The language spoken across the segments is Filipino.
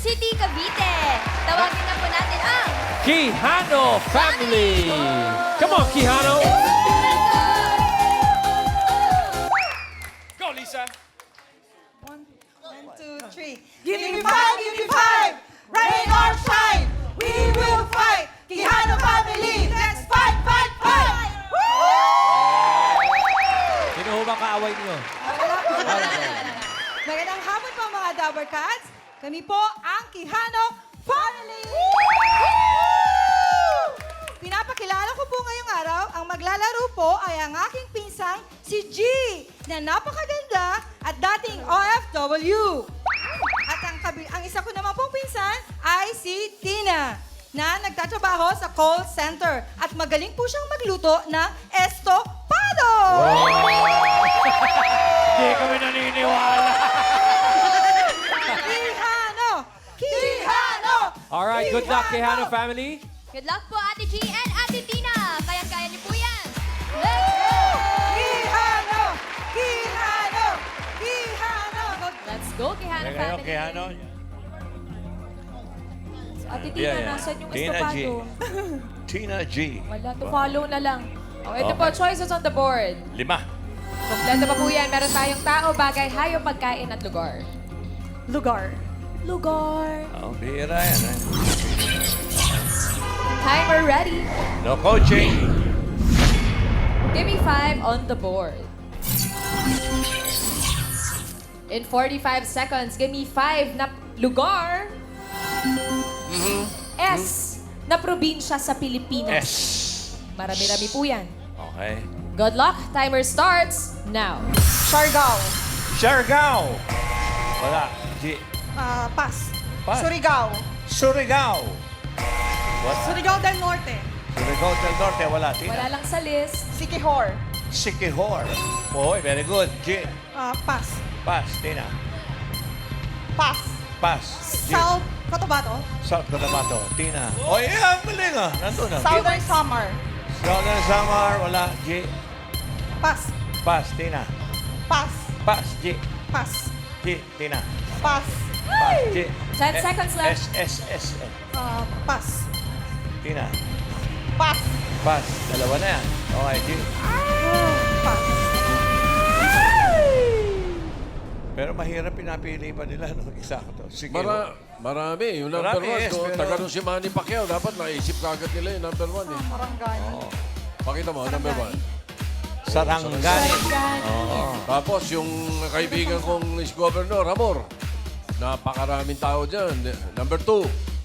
City, Cavite. Tawagin na po natin ang... Quijano family! Come on, Quijano! Go, Lisa! 1, 2, 3. Give me five, give me five. Rain or shine, we will fight. Quijano family, let's fight, fight, fight. Sino ho ba kaaway niyo? Magandang hapon po mga Dabber Cats. Kami po ang Quijano family. Pinapakilala ko po ngayong araw, ang maglalaro po ay ang aking pinsang si G, na napakaganda at dating OFW. At ang isa ko naman pong pinsan ay si Tina, na nagtatrabaho sa call center at magaling po siyang magluto ng estopado. Hindi kami naniniwala. Quijano! Quijano! Alright, good luck, Quijano family. Good luck po, Ate G and Ate Tina. Kaya-kaya niyo po yan. Quijano! Quijano! Quijano! Let's go, Quijano family. Quijano. Ate Tina, nasan yung Tina G. estopado? Tina G. Wala, to follow na lang. Oh, ito po, choices on the board. 5. Kompleto pa po yan. Meron tayong tao, bagay, hayop, pagkain at lugar. Lugar. Lugar. Oh, bihira yan. Timer ready. No coaching. Give me 5 on the board. In 45 seconds, give me 5 na lugar. S na probinsya sa Pilipinas. S. Marami-rami po yan. Okay. Good luck. Timer starts now. Siargao. Siargao. Wala. G. Pas. Pas. Surigao. Surigao. What? Surigao del Norte. Surigao del Norte. Wala. Tina. Wala lang sa list. Siquijor. Siquijor. Boy, very good. G. Pas. Pas. Tina. Pas. Pas. G. South Cotabato. South Cotabato. Tina. Oh, yeah. Ang galing ah. Nandun ah. Southern Samar. Southern Samar. Wala. G. Pas. Pas. Tina. Pas. Pas. G. Pas. G. Tina. Pas. Pas. G. 10 seconds left. S. S. S. Pas. Tina. Pas. Pas. Dalawa na yan. Okay, G. Pas. Pero mahirap pinapili pa nila nung eksakto. Sige. Marami. Yung number Marami, 1, yes, pero- taga nung si Manny Pacquiao, dapat naisip kagad nila yung number 1 eh. Maranggan. Pakita mo, number 1. Sarangani. Tapos yung kaibigan kong is Governor, Amor. Napakaraming tao dyan. Number 2.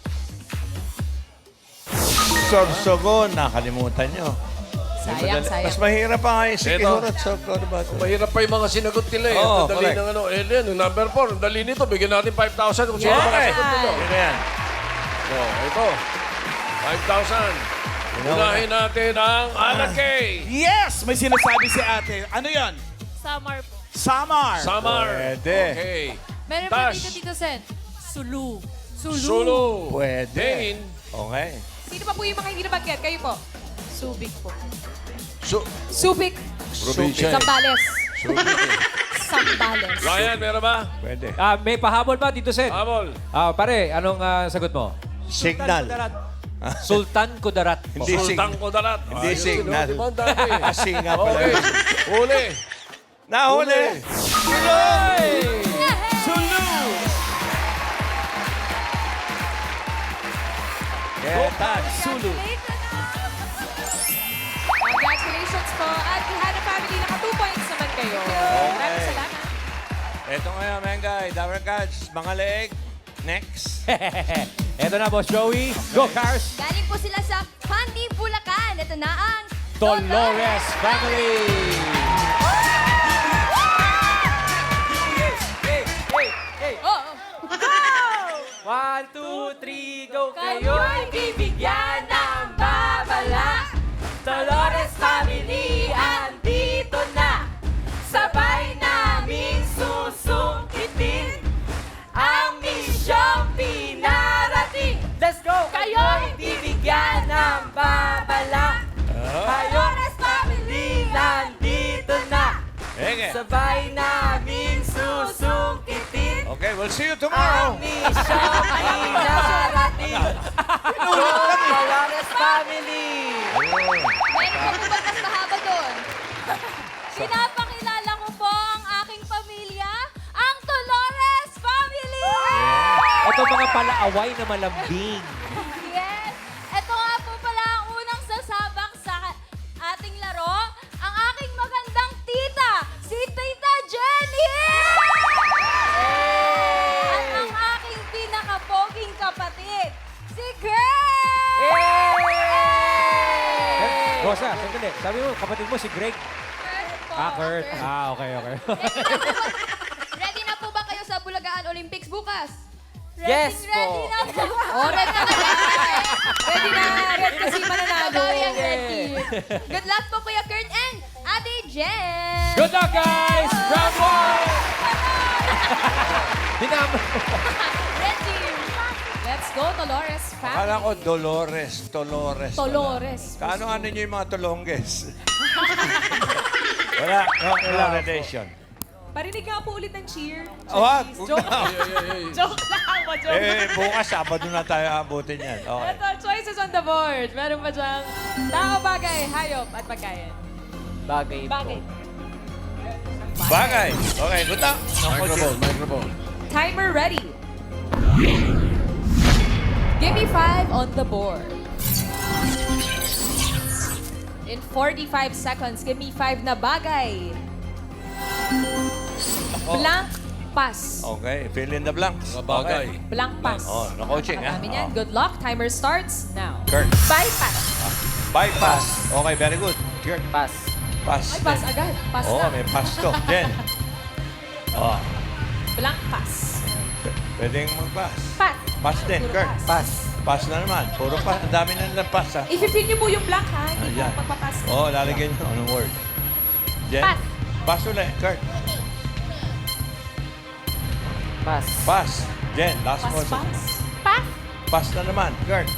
Sorsogon. Nakalimutan nyo. Sayang, sayang. Mas mahirap pa nga yung Sikihor Ito. at Sorsogon. Mahirap pa yung mga sinagot nila eh. Oo, Ang dali correct. ng ano. Alien, yung number 4. Ang dali nito. Bigyan natin 5,000 kung sino Okay. makasagot nito. Yun na yan. So, ito. 5,000. Unahin natin ang Alakay. Yes! May sinasabi si ate. Ano yon? Samar po. Samar. Samar. Pwede. Okay. Meron pa Tash. dito, Tito Sen. Sulu. Sulu. Pwede. Dane. Okay. Sino pa po yung mga hindi nabanggit? Kayo po. Subic po. Su- Subic. Probinsya. Sambales. Sambales. Ryan, meron ba? Pwede. May pahabol ba, Tito Sen? Habol. Pare, anong sagot mo? Signal. Sultan Kudarat. Hindi Sultang signal. Kudarat. Hindi Ayun, signal. di ba? Ang dami. Singa pala. Okay. Uli. Nahuli. Sulu. Ketan. Sulu. Congratulations po. At Quijano family, naka 2 points naman kayo. Maraming salamat. Ito ngayon, Mengay. Dabber Cats. Mga leeg. Next. Eto na, Boss Joey. Go, Cars. Galing po sila sa Pandi, Bulacan. Ito na ang Dolores family. Oh, 1, 2, 3, go kayo'y bibigyan ng babala. Dolores family, andito na. Sabay namin susungkitin ang misyong pinarating. Let's go. Kayo'y bibigyan ng babala. Dolores family, nandito na. Ege. Sabay namin susungkitin Okay, we'll see you tomorrow. Dolores family! Meron pa po ba mas mahaba doon? Pinapakilala ko po ang aking pamilya, ang Dolores Family! Ito mga palaaway na malambing. Yes! Ito nga po pala ang unang sasabak sa ating laro, ang aking magandang tita, si Tita Jenny! At ang aking pinakapoging kapatid, si Greg! Rosa, sandali. Sabi mo, kapatid mo si Greg. Kurt. Okay. Ready na po ba kayo sa Bulagaan Olympics bukas? Yes po. Ready na po. Oh, ready na kayo. Ready na. Ready kasi mananalo. Babawi ang red team. Good luck po Kuya Kurt and Ate Jen. Good luck, guys! Round one! Dinama. Red team. Let's go, Dolores family. Akala ko Dolores. Dolores. Kaano niyo yung mga tolongges? Wala relation. Parinig nga po ulit ng cheer. Wag! Joke lang. Joke lang. Joke. Bukas Sabado na tayo abutin yan. Okay. Ito, choices on the board. Meron pa diyang tao, bagay, hayop, at pagkain. Bagay po. Bagay. Bagay. Okay, good luck. Microphone. Timer ready. Give me 5 on the board. In 45 seconds, give me 5 na bagay. Blank pass. Okay, fill in the blanks. Mga bagay. Blank pass. Oh, na-coaching, ha? Namin yan. Oh. Good luck. Timer starts now. Kurt. Bypass. Bypass. Okay, very good. Kurt. Pass. Pass. Ay, pass agad. Pass Oo, na. may pass to. Jen. Oh, Blank pass. pwedeng mag-pass. Pass. Pass din, Puro Kurt. pass. Pass na naman. Puro pass. Ang dami na nilang pass, ha? I-fill niyo po yung blank, ha? Hindi Ayan. po magpapass. Oo, lalagyan nyo. Anong word? Jen? Pass. Pass ulit, Kurt. Pass. Pass. Jen, last Pass, one. pass. Pass. Pass na naman, Kurt.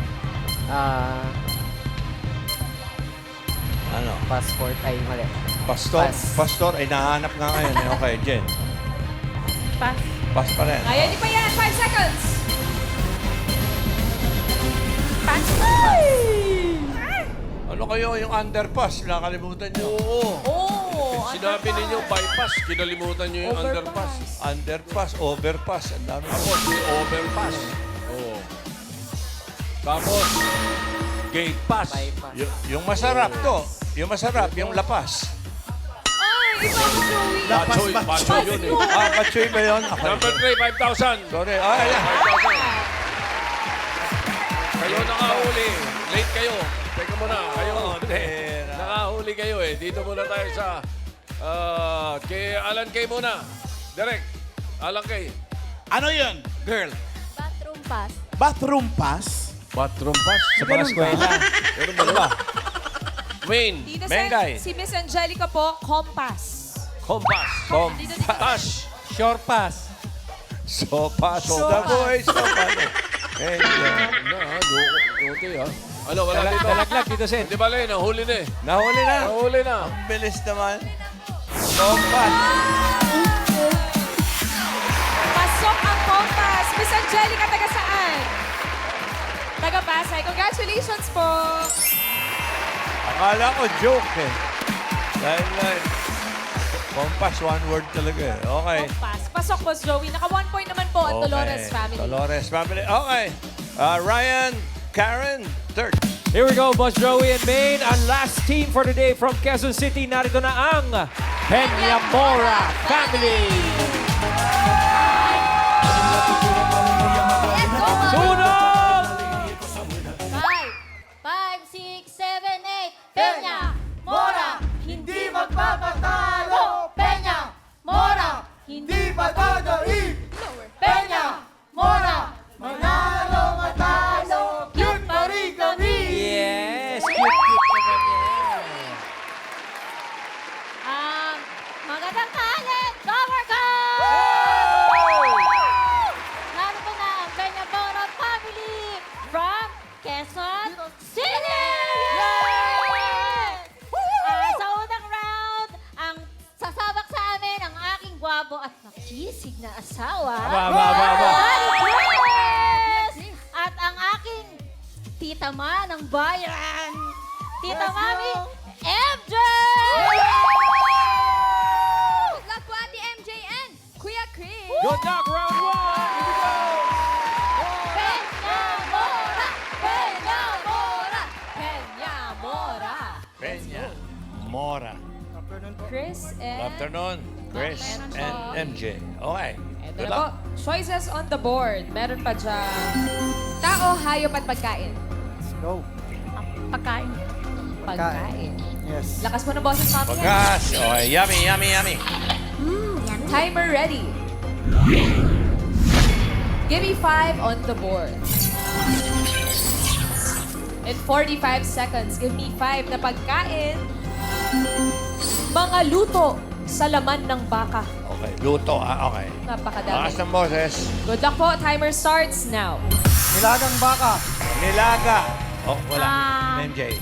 Ano? Passport. Ay, mali. Pastor? Pass. Pastor? Ay, nahanap nga ngayon. eh. Okay, Jen. Pass. Pass pa rin. Kaya niyo pa yan. 5 seconds. Pass. Ano kayo yung underpass? Nakalimutan nyo. Oo. Oh, Sinabi ninyo bypass, kinalimutan nyo yung underpass. Underpass, overpass. Ang dami. Tapos may overpass. Oo. Tapos, gate pass. Bypass. Yung masarap to. Yung masarap, yung lapas. Ay, iba ko, Joey. Pachoy, pachoy yun eh. Pachoy ba yun? Okay. Number 3, 5,000. Sorry. Ayan. 5,000. Kayo nakahuli. Late kayo. Teka muna. Kayo. Pera. Nakahuli kayo eh. Dito muna tayo sa... kay Alan Kay muna. Direk. Alan Kay. Ano yun? Girl. Bathroom pass. Bathroom pass? Bathroom pass. Sa mga eskwela. Pero ba ba? Wayne. Tita Mengay. si Miss Angelica po, compass. Compass. Pass. Short pass. Sopas. The boys. Sopas. Okay ha. Ano, wala dito. Dalaglag dito, Sen. Hindi ba, Len? Nahuli na eh. Nahuli na. Nahuli na. Ang bilis naman. Sopas. Pasok ang compass. Miss Angelica, taga saan? Taga Pasay. Congratulations po. Akala ko joke eh. Dahil compass, one word talaga eh. Okay. Compass. Pasok, Boss Joey. Naka 1 point naman po ang Dolores family. Dolores family. Okay. Ryan, Karen, third. Here we go, Boss Joey and Maine. Ang last team for today from Quezon City. Narito na ang Peñamora family. Let's go, Mom. Sunog! 5, 6, 7, 8. Peña, Mora, hindi magpapatalo. Peña, Mora, hindi magdadaig. Peña, Mora, manalo, matalo. Cute pa rin kami. Yes! Cute naman yan. Magandang kalit, Cover Cup! Tita Ma ng bayan. Tita Mami, MJ! Good luck po, Ate MJ and Kuya Chris. Good luck, round 1. Peñamora! Peñamora! Peñamora! Peña. Mora. Chris and... Good afternoon, Chris Meron and po. MJ. Okay. Ito Good na po. luck. Choices on the board. Meron pa dyan. Tao, hayop at pagkain. Go. Pagkain. Pagkain. Yes. Lakas mo ng boses, Mami. Pagkas. Okay, yummy, yummy, yummy. Timer ready. Give me 5 on the board. In 45 seconds, give me 5 na pagkain. Mga luto sa laman ng baka. Okay, luto. Okay. Napakadami. Lakas ng boses. Good luck po. Timer starts now. Nilagang baka. Nilaga. Oh, wala. Ah. MJ.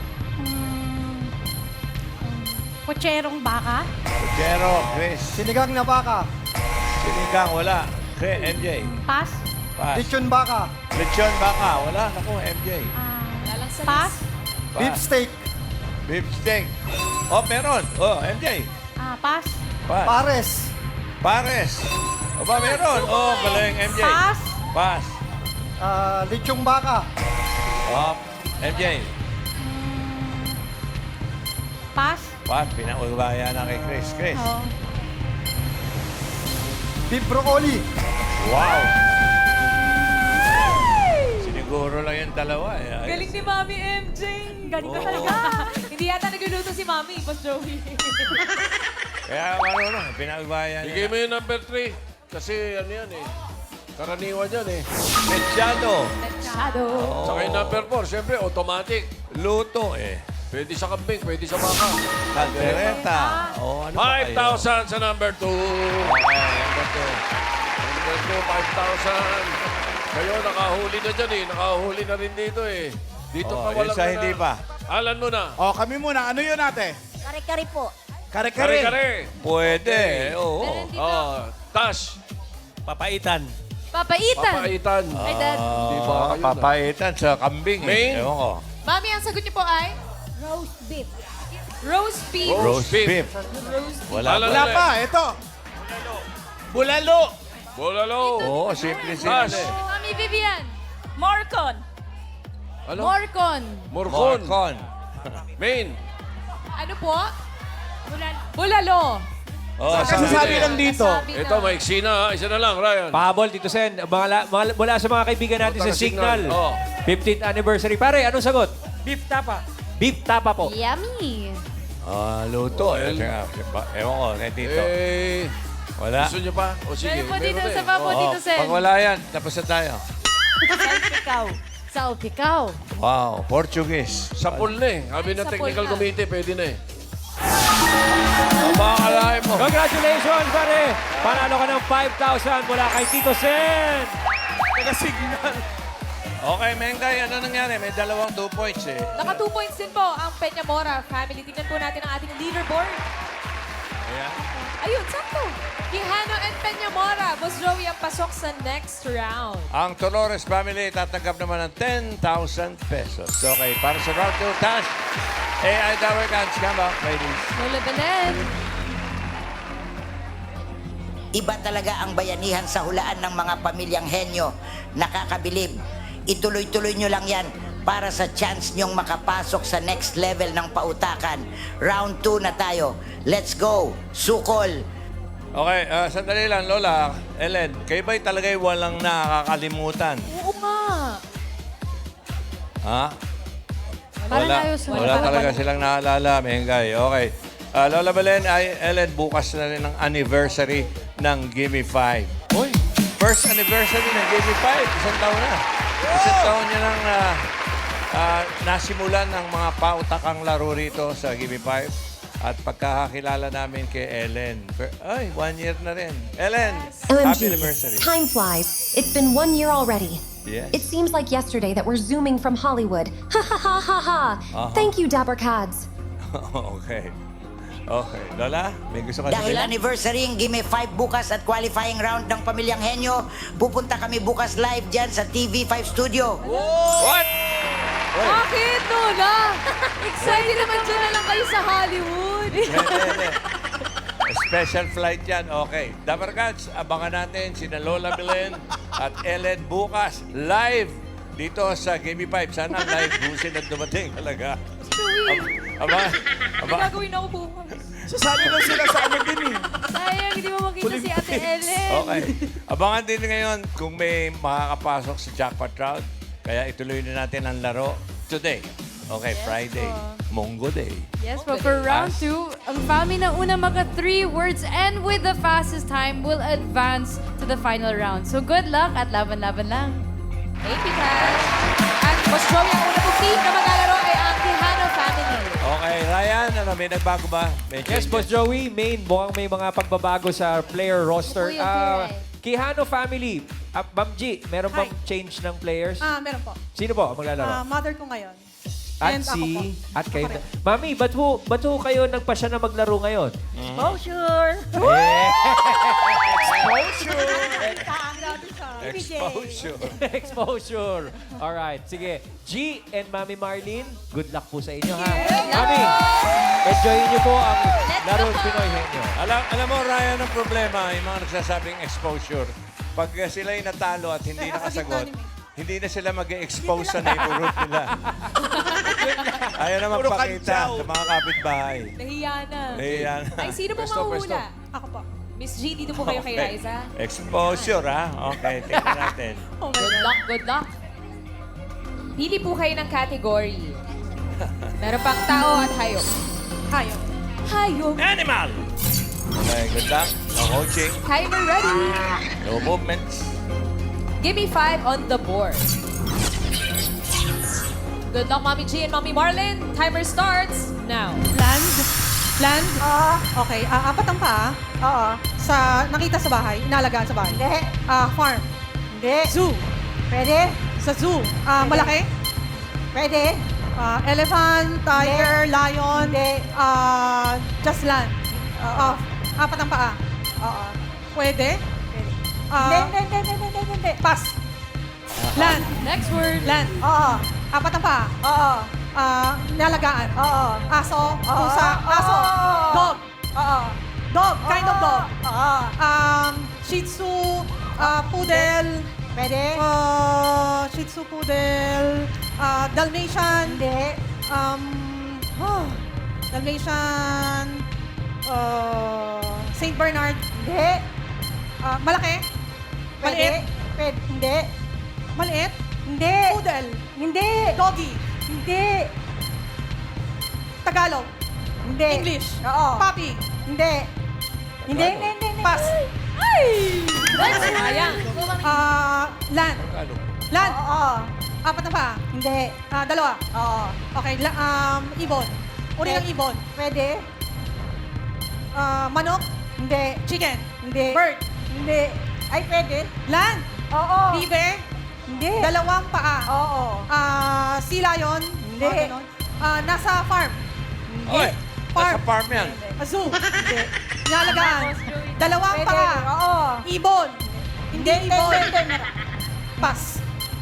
Kutserong baka. Puchero, Chris. Sinigang na baka. Sinigang, wala. Chris, MJ. Pass. Pass. Lechon baka. Lechon baka, wala. Naku, MJ. Wala lang sa Pass. list. Beef steak. Beef steak. Oh, meron. Oh, MJ. Pass. Pass. Pares. Pares. O ba, meron. Oh, galing, MJ. Pass. Pass. Lechong baka. Oh, MJ. Pass. Pass. Pinaugaya na kay Chris. Chris. Beef broccoli. Wow. Siniguro lang yung dalawa. Eh. Galing ni Mami MJ. Galing ka talaga. Hindi yata nagluluto si Mami, Boss Joey. Kaya marunong, pinaugaya Bigay niya. mo yung number 3. Kasi ano yan eh. Karaniwan yan eh. Mechado. Shadow. Saka yung number 4, syempre automatic. Luto eh. Pwede sa kambing, pwede sa baka. Caldereta. Oh, ano ba kayo? 5,000 sa number 2. Okay, number two. Number 2, 5,000. Kayo, nakahuli na dyan eh. Nakahuli na rin dito eh. Dito Oh, pa yung walang sa hindi pa. Alan mo na. O, kami muna. Ano yun ate? Kare-kare po. Kare-kare. Kare-kare. Pwede. Oo. Oh, Tash. Papaitan. Papaitan. Papaitan. Ay, Dad. Di ba kayo na? Papaitan sa kambing. Main? Ewan ko. Mami, ang sagot niyo po ay? Roast beef. Roast beef. Roast beef. Wala Alala. Wala pa. Ito. Bulalo. Bolalo. Oo, simple Tash. simple. Mami Vivian. Morcon. Ano? Morcon. Morcon. Morcon. Main. Ano po? Bulalo. Oh, Kasasabi lang dito. Nasabi Ito, na. maiksi na ha. Isa na lang, Ryan. Pahabol, Tito Sen. Mula sa mga kaibigan natin sa Signal. Signal. Oh. 15th anniversary. Pare, anong sagot? Beef tapa. Beef tapa po. Yummy. Ah, luto. Eh, ewan ko, kay Tito. Eh, Wala. gusto nyo pa? O sige, Meron po dito meron sa eh. papo, Oo, Tito Sen. pag wala yan, tapos na tayo. Salpikaw. Salpikaw. Wow, Portuguese. Sa pool na eh. Sabi ng Sa technical pool na. committee, pwede na eh. Ang mga kalahin mo. Congratulations, pare! Panalo ka ng 5,000 mula kay Tito Sen. Taga-signal. Okay, Mengay, ano nangyari? May dalawang 2 points eh. Naka 2 points din po ang Peñamora family. Tingnan po natin ang ating leaderboard. Ayan. Ayun, sakto. Quijano and Peñamora. Boss Joey ang pasok sa next round. Ang Dolores family tatanggap naman ng 10,000 pesos. Okay, para sa round 2, Tash. AI Tower Cans, come back, ladies. Lola Belen. Iba talaga ang bayanihan sa hulaan ng mga pamilyang henyo. Nakakabilib. Ituloy-tuloy nyo lang yan para sa chance nyong makapasok sa next level ng pautakan. Round 2 na tayo. Let's go! Sukol! Okay, sandali lang, Lola. Ellen, kayo ba'y talaga'y walang nakakalimutan? Oo nga. Ha? Para tayo sa- Wala talaga silang naalala, Mengay. Okay. Lola Belen, Ellen, bukas na rin ang anniversary ng Gimme 5. Uy! First anniversary ng Gimme 5. Isang taon na. Isang taon niya nang nasimulan ng mga pautakang laro rito sa Gimme 5. At pagkakakilala namin kay Ellen. Ay, 1 year na rin. Ellen, happy anniversary. Time flies. It's been 1 year already. Yes. It seems like yesterday that we're zooming from Hollywood. Ha ha ha ha ha. Thank you, Dapper Cads. Okay. Okay. Lola, may gusto ka Dahil sabihin? anniversary ng Gimme 5 bukas at qualifying round ng pamilyang henyo, pupunta kami bukas live dyan sa TV5 Studio. What? Bakit, Lola? Excited naman dyan na lang kayo sa Hollywood. Hindi. Special flight yan. Okay. Dapper Cats, abangan natin sina Lola Belen at Ellen bukas live dito sa Gimme 5. Sana live busin at dumating talaga. May gagawin ako bukas. Sasali na sila sa amin din eh. Sayang, hindi mo makita si Ate Ellen. Okay. Abangan din ngayon kung may makakapasok sa jackpot round. Kaya ituloy na natin ang laro today. Okay, Friday. Monggo Day. Yes, but for round 2, ang family na una maka 3 words and with the fastest time will advance to the final round. So good luck at laban-laban lang. Thank you, Cash. At Boss Joey, ang una pong team na maglalaro ay ang Quijano family. Okay, Ryan, may nagbago ba? May Yes, changes? Boss Joey, mukhang may mga pagbabago sa player roster. Kuya Kuya. Quijano family, Ma'am G, meron bang change ng players? Meron po. Sino po ang maglalaro? Mother ko ngayon. At at kayo na. Mami, ba't ho kayo nagpasya na maglaro ngayon? Exposure! Exposure. Exposure. Alright, sige. G and Mami Marlene, good luck po sa inyo ha. Mami, enjoyin niyo po ang laro Pinoy Henyo. Alam mo, Ryan, ang problema, yung mga nagsasabing exposure, pag sila'y natalo at hindi nakasagot, hindi na sila mag-expose sa neighborhood nila. Ayaw na Puro magpakita kantsaw. sa mga kapitbahay. Nahiya na. Ayan. Ay, sino po Pwesto, pwesto. mahuhula? Ako po. Miss G, dito po kayo kay Okay. Liza. Exposure, ha? Okay, tingnan natin. Good luck, good luck. Pili po kayo ng category. Meron pang tao at hayop. Hayop. Hayop. Animal! Okay, good luck. No coaching. Timer ready. No movements. Give me 5 on the board. Good luck, Mommy G and Mommy Marlin. Timer starts now. Land? Okay. Apat ang paa? Oo. Nakita sa bahay? Inalagaan sa bahay? Hindi. Farm? Hindi. Zoo? Pwede. Sa zoo? Malaki? Pwede. Elephant, tiger, lion? Hindi. Just land? Apat ang paa? Oo. Pwede? Hindi. Pass. Land? Next word. Land? Oo. Apat ang paa? Oo. Nalagaan? Oo. Aso? Pusa? Aso? Dog? Oo. Dog? Kind of dog? Oo. Shih Tzu? Poodle? Pwede. Shih Tzu, Poodle? Dalmatian? Hindi. Dalmatian? Saint Bernard? Hindi. Malaki? Maliit? Pwede. Hindi. Maliit? Hindi. Poodle? Hindi. Doggy? Hindi. Tagalog? Hindi. English? Oo. Puppy? Hindi. Hindi. Pass. Ay! Sayang. Land? Tagalog. Land? Oo. Apat na pa? Hindi. Dalawa? Oo. Okay. Ibon? Uri ng ibon? Pwede. Manok? Hindi. Chicken? Hindi. Bird? Hindi. Ay, pwede. Land? Oo. Bibe? Hindi. Dalawang paa? Oo. Sea lion? Hindi. Nasa farm? Okay, nasa farm yan. Zoo? Hindi. Nalagaan? Dalawang paa? Oo. Ibon? Hindi ibon. Pass.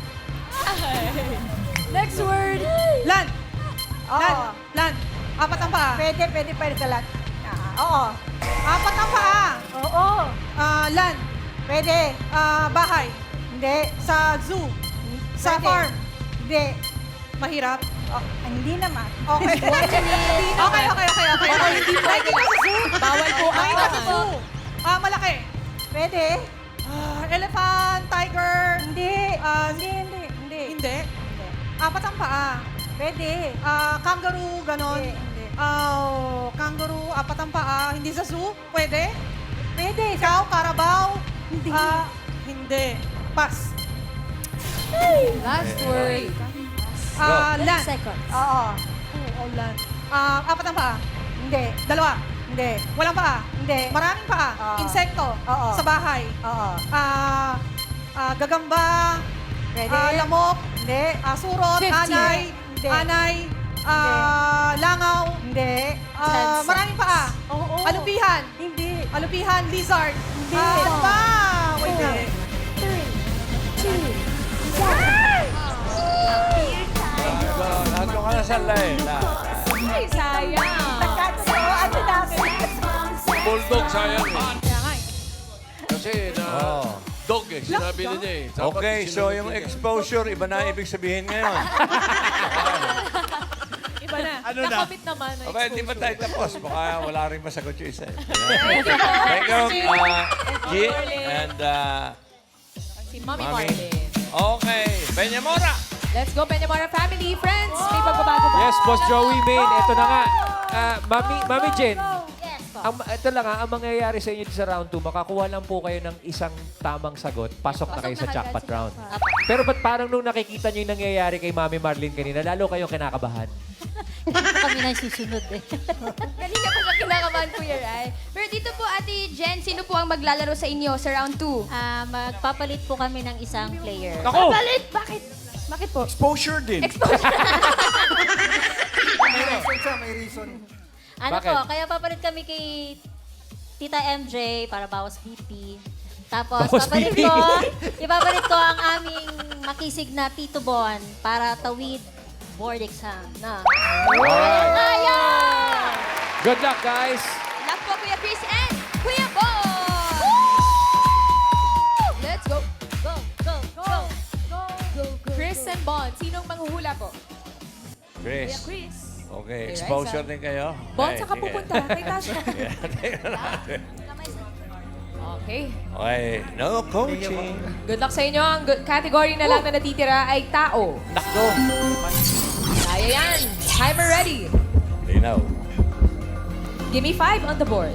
Next word. Land? Land? Land? Apat ang paa? Pwede ka land. Oo. Apat ang paa? Oo. Land? Pwede. Bahay? Hindi. Sa zoo? Sa farm? Hindi. Mahirap? Hindi naman. Okay. Okay. Hindi nakikita sa zoo? Bawal po Nakikita sa ang zoo? Malaki? Pwede. Elephant, tiger? Hindi. Hindi. Apat ang paa? Pwede. Kangaroo, ganon? Hindi. Kangaroo, apat ang paa? Hindi sa zoo? Pwede? Pwede. Ikaw, Carabao? Hindi. Hindi. Pass. last word. Land. Seconds. Oo. Land. Apat ang paa? Hindi. Dalawa? Hindi. Walang paa? Hindi. Maraming paa? Insekto? Oo. Sa bahay? Oo. Gagamba? Pwede. Lamok? Hindi. Surot? 50. Anay? Hindi. Anay? Langaw? Hindi. Maraming paa? Oo. Alupihan? Hindi. Alupihan? Lizard? Hindi. Ano ba? Wait na. 3, 2, 1. Dasal na eh. Ay, sayang. Katso, ano namin? Bulldog, sayang eh. Kaya nga eh. Kasi na dog eh, sinabi niya eh. Dapat Okay, so sinunod yung niya. exposure, iba na ibig sabihin ngayon. Iba na. Ano na? Nakomit naman na Okay, hindi pa tayo exposure. tapos. Baka wala rin masagot yung isa. Thank you, G. And, Si Mami Mami. Marlin. okay, Peñamora. Let's go, Peñamora family. Friends, may pagbabago ba? Yes, Boss Joey Main. Ito na nga. Mami Jen, Yes po. ito lang ang mangyayari sa inyo sa round 2, makakuha lang po kayo ng isang tamang sagot, pasok na kayo sa jackpot round. Pero ba't parang nung nakikita nyo yung nangyayari kay Mami Marlene kanina, lalo kayong kinakabahan? Kami na susunod eh. Kanina po siya kinakabahan, Kuya Rai. Pero dito po, Ate Jen, sino po ang maglalaro sa inyo sa round 2? Magpapalit po kami ng isang player. Ako! Papalit? Bakit? Bakit po? Exposure din. May reason siya, may reason. Ano Bakit? po, kaya papalit kami kay Tita MJ para bawas BP. Tapos Bawas BP? ipapalit ko ang aming makisig na Tito Bon para tawid board exam na. Ayan! Good luck, guys! Luck po, Kuya Chris and Kuya Bon! Let's go. Go, go, go, go, go, go. Chris and Bon, sinong manghuhula po? Chris. Chris. Okay, Kay exposure Raisa. din kayo. Bon, Okay, saan ka sige. pupunta? Kay Tasha. Yeah, tingnan natin. Okay. Okay, no coaching. Good luck sa inyo. Ang category na lang na natitira ay tao. Nakdo. Kaya yan. Timer ready. Linaw. Give me 5 on the board.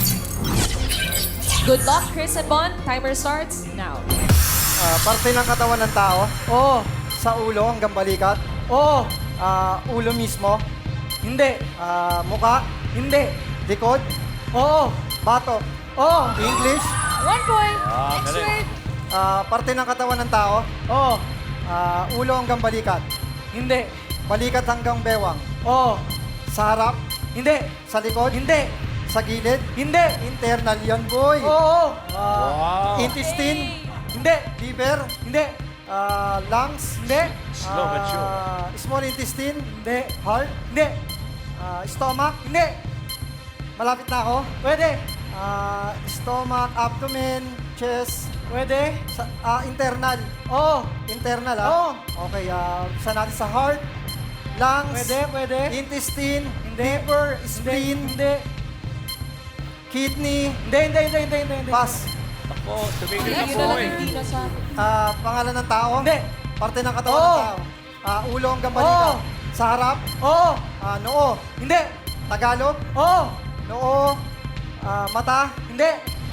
Good luck, Chris and Bon. Timer starts now. Parte ng katawan ng tao? Oo. Sa ulo hanggang balikat? Oo. Ulo mismo? Hindi. Muka? Hindi. Likod? Oo. Bato? Oo. English? 1 point. Ah, Next galing. word. Parte ng katawan ng tao? Oo. Ulo hanggang balikat? Hindi. Balikat hanggang bewang? Oo. Sa harap? Hindi. Sa likod? Hindi. Sa gilid? Hindi. Internal yan, boy. Oo. Wow. Intestine? Hindi. Liver? Hindi. Lungs? Hindi. Slow but sure. Small intestine? Hindi. Heart? Hindi. Stomach? Hindi. Malapit na ako? Pwede. Stomach, abdomen, chest? Pwede. Internal? Oo. Internal, Oo. Okay, saan natin sa heart? Lungs? Pwede. Intestine? Liver? Spleen? Hindi. Kidney? Hindi. Pass. Ako, tumigil na Yun po na lang eh. hindi na sa... Pangalan ng tao? Hindi. Parte ng katawan ng tao? Ulo hanggang balikat? Sa harap? Oo. Noo? Hindi. Tagalog? Oo. Noo? Mata? Hindi.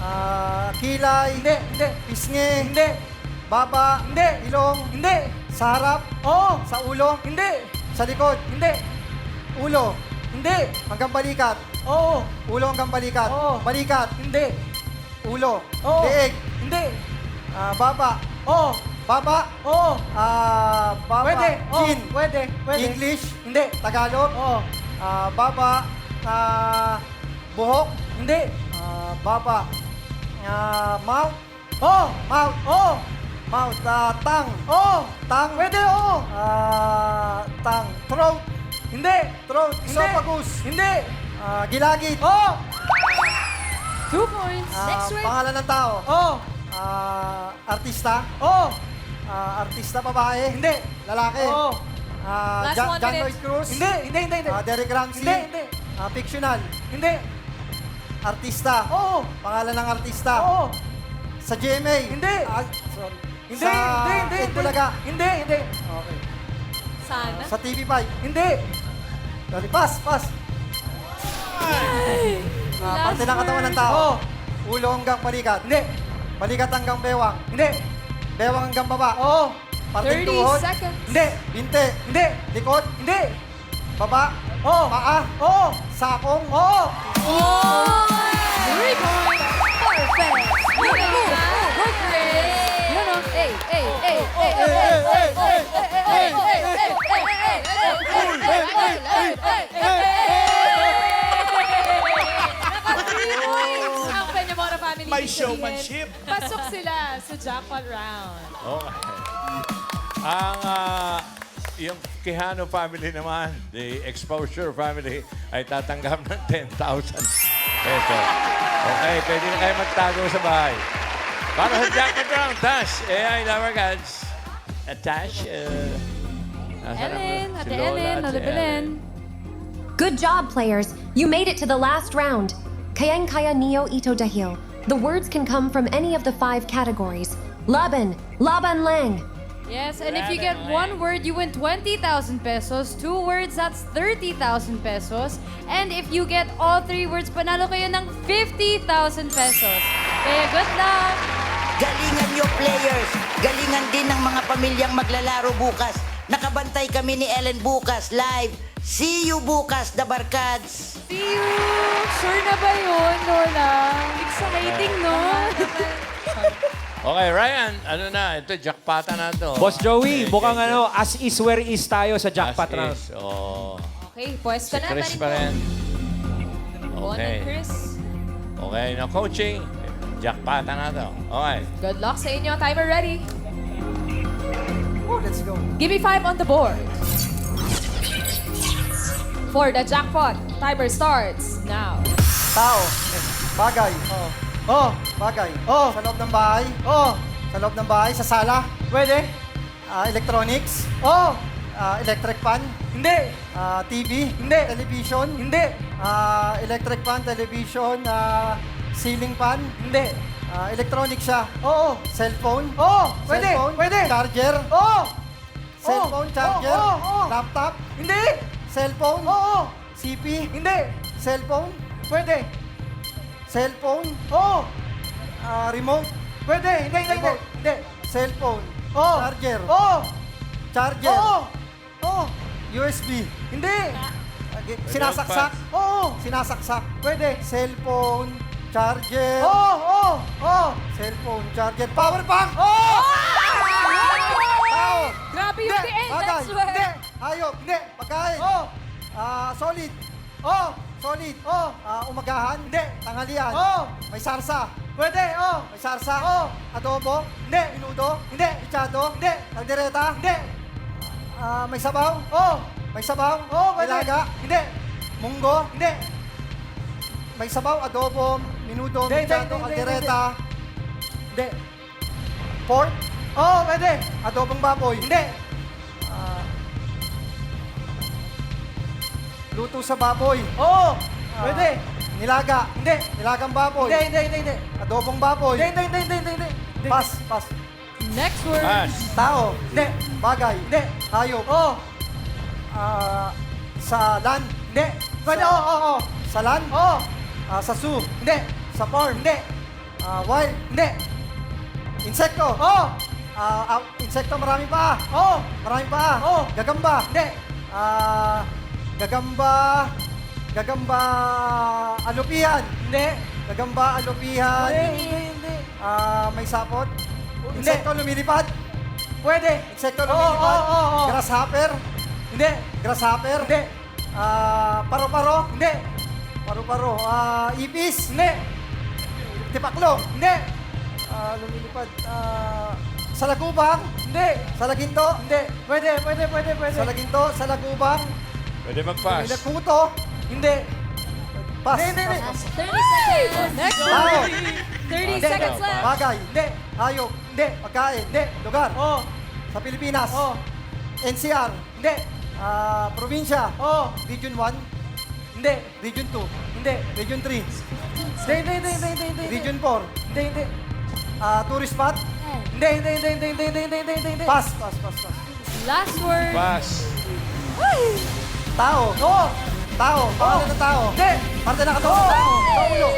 Kilay? Hindi. Pisngi? Hindi. Baba? Hindi. Ilong? Hindi. Sa harap? Oo. Sa ulo? Hindi. Sa likod? Hindi. Ulo? Hindi. Hanggang balikat? Oo. Ulo hanggang balikat? Oo. Balikat? Hindi. Ulo? Oo. Leeg? Hindi. Baba? Oo. Baba? Oo. Baba? Pwede. Chin? Pwede. English? Hindi. Tagalog? Oo. Baba? Buhok? Hindi. Baba? Mouth? Oo. Mouth? Oo. Mouth? Tang? Oo. Tang? Pwede, oo. Tang? Throat? Hindi. Throat? Esophagus? Hindi. Gilagid? Oo. 2 points. Next word. Pangalan ng tao? Oo. Artista? Oo. Artista babae? Hindi. Lalaki? Oo. Last 1 John minute. Lloyd Cruz? Hindi. Derek Ramsey? Hindi. Fictional? Hindi. Artista? Oo. Pangalan ng artista? Oo. Sa GMA? Hindi. Sorry. Hindi. Bulaga? Hindi. Okay. Sana. Sa TV5? Hindi. Sorry, pass. Parte ng katawan ng tao? Ulo hanggang balikat? Hindi. Balikat hanggang bewang? Hindi. Bewang hanggang baba? Oo. Parteng 30 tuhod? seconds. Hindi. Binte? Hindi. Likod? Hindi. Baba? Oo. Paa? Oo. Sakong? Oo. 3 points. Perfect. Good Chris. Yun o. Ang Peñamora family. May ibig sabihin, showmanship. Pasok sila sa jackpot round. Okay. Ang yung Quijano family naman, the Exposure family, ay tatanggap ng 10,000 pesos. Okay, pwede na kayo magtago sa bahay. Para sa jackpot round, Tash, AI Lover Gods. Tash, Ellen, Ate Ellen, Ate Belen. Good job, players. You made it to the last round. Kayang kaya niyo ito dahil. The words can come from any of the 5 categories. Laban, laban lang. Yes, and if you get one word, you win 20,000 pesos. 2 words, that's 30,000 pesos. And if you get all 3 words, panalo kayo ng 50,000 pesos. Kaya good luck! Galingan nyo, players. Galingan din ng mga pamilyang maglalaro bukas. Nakabantay kami ni Ellen bukas, live. See you bukas, The Barkads. See you! Sure na ba yun, Lola? Exciting, no? Okay, Ryan, ano na? Ito, jackpota na to. Boss Joey, Okay, mukhang okay. as is where is tayo sa jackpot As round. is. Oh. Okay, pwesto Si na. Chris Balik pa mo. rin. Go on Okay. then, Chris. Okay, na coaching. Jackpota na to. Okay. Good luck sa inyo. Timer ready. Oh, let's go. Give me 5 on the board. For the jackpot, timer starts now. Tao. Bagay. Oh, bagay. Oh, sa loob ng bahay. Oh, sa loob ng bahay, sa sala. Pwede. Electronics. Oh, electric fan. Hindi. TV. Hindi. Television. Hindi. Electric fan, television, ceiling fan. Hindi. Electronic siya. Oo. Cellphone. Oo, pwede. Cellphone. Pwede. Charger. Oo. Cellphone, charger. Laptop. Hindi. Cellphone. Oo. CP. Hindi. Cellphone. Pwede. Cellphone. Oo. Remote. Pwede. Hindi, hindi, hindi. Hindi. Cellphone. Oo. Charger. Oo. Charger. Oo. Oo. USB. Hindi. Sinasaksak. Oo. Sinasaksak. Pwede. Cellphone. Charger. Oo. Oo. Oo. Cellphone. Charger. Power bank. Oo. Tao. Grabe yung Hindi. end, Bagay. that's why. Hindi. Hayop. Hindi. Pagkain. Oo. Solid. Oo. Solid. Oo. Umagahan. Hindi. Tanghalian. Oo. May sarsa. Pwede. Oo. May sarsa. Oo. Adobo. Hindi. Minudo. Hindi. Ichado. Hindi. Kaldereta. Hindi. May sabaw. Oo. May sabaw. Oo. May laga. Hindi. Munggo. Hindi. May sabaw, adobo, minudo, ichado, kaldereta. Hindi. Pork. Oo, pwede. Adobong baboy. Hindi. Luto sa baboy. Oo. Pwede. Nilaga. Hindi. Nilagang baboy. Hindi. Adobong baboy. Hindi. Pas. Next word. Pass. Tao. Hindi. Bagay. Hindi. Hayop. Oo. Sa land. Hindi. Pwede. Oo. Sa land. Oo. Sa zoo. Hindi. Sa farm. Hindi. Wild. Hindi. Insekto. Oo. Insekto marami pa. Oo. Marami pa. Oo. Gagamba. Hindi. Gagamba alupihan. Hindi. Gagamba alupihan. Hindi. May sapot. Insekto lumilipad. Pwede. Insekto lumilipad. Grasshopper. Hindi. Grasshopper. Hindi. Paro-paro. Hindi. Paro-paro. Ipis. Hindi. Tipaklo. Hindi. Lumilipad. Salagubang. Hindi. Salaginto. Hindi. Pwede. Salaginto. Salagubang. Pwede mag-pass. Kuto. Hindi. Pass. Hindi. 30 seconds. Next Tao. word. 30 seconds left. Bagay. Hindi. Hayop. Hindi. Pagkain. Hindi. Lugar. Oo. Sa Pilipinas. Oo. NCR. Hindi. Probinsya. Oo. Region 1. Hindi. Region 2. Hindi. Region 3. Hindi. Region 4. Hindi. Tourist spot. Hindi. Pass. Last word. Pass. Tao. Oo. Tao. Pangalan ng tao. Hindi. Parte na katawan ng tao. Sa ulo.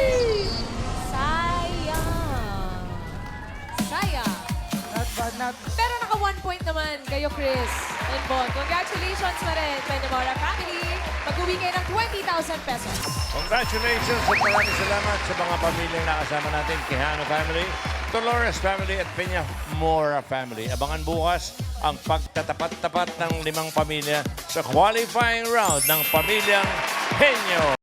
Sayang. Pero naka 1 point naman kayo, Chris and Bon. Congratulations pa rin, Peñamora family. Mag-uwi kayo ng 20,000 pesos. Congratulations at maraming salamat sa mga pamilyang nakasama natin. Quijano family, Dolores family at Peña Mora family. Abangan bukas ang pagtatapat-tapat ng 5 pamilya sa qualifying round ng Pamilyang Henyo.